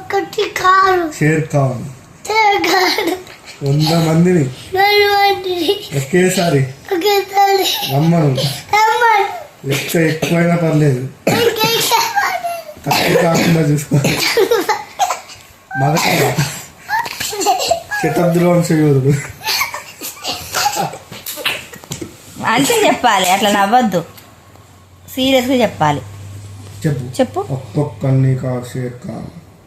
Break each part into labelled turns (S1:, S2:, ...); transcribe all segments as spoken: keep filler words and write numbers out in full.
S1: Share Khan వంద మందిని ఒకేసారి రమ్మను. లెక్క ఎక్కువైనా పర్లేదు, తక్కువ కాకుండా చూసుకో. మొదట శతాబ్దిలో వంశయోధుడు
S2: అంటే చెప్పాలి, అట్లా నవ్వద్దు, సీరియస్గా చెప్పాలి.
S1: చెప్పు
S2: చెప్పు.
S1: ఒక్కొక్కరిని కా షేర్ ఖాన్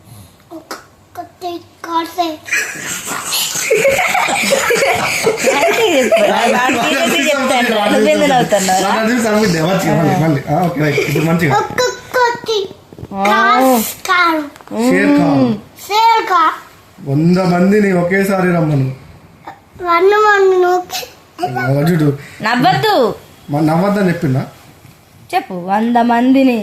S1: వంద మందిని ఒకేసారి రమ్మను. చూడు
S2: నవ్వద్దు,
S1: నవ్వద్దని చెప్పిందా?
S2: చెప్పు. వంద మందిని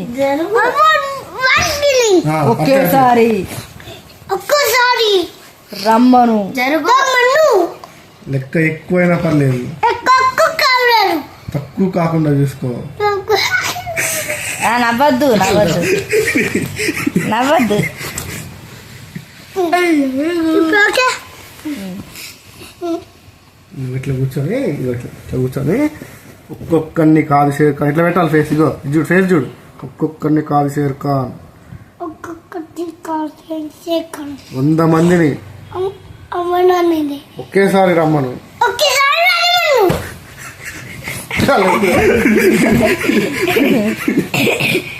S2: ఒకేసారి
S3: ఒక్కసారి
S2: రమ్మను.
S1: లెక్క ఎక్కువైనా పర్లేదు, తక్కువ కాకుండా చూసుకో.
S2: నవ్వద్దు నవ్వద్దు నవ్వద్దు.
S1: ఇట్లా కూర్చొని ఇట్లా కూర్చొని ఒక్కొక్కరిని కాదు షేర్ ఖాన్ ఇట్లా పెట్టాలి. ఫేస్ ఇగో చూడు, ఫేస్ చూడు. ఒక్కొక్కరిని కాదు షేర్ ఖాన్ వంద మందిని ఒకేసారి రమ్మను.
S3: ఒకేసారి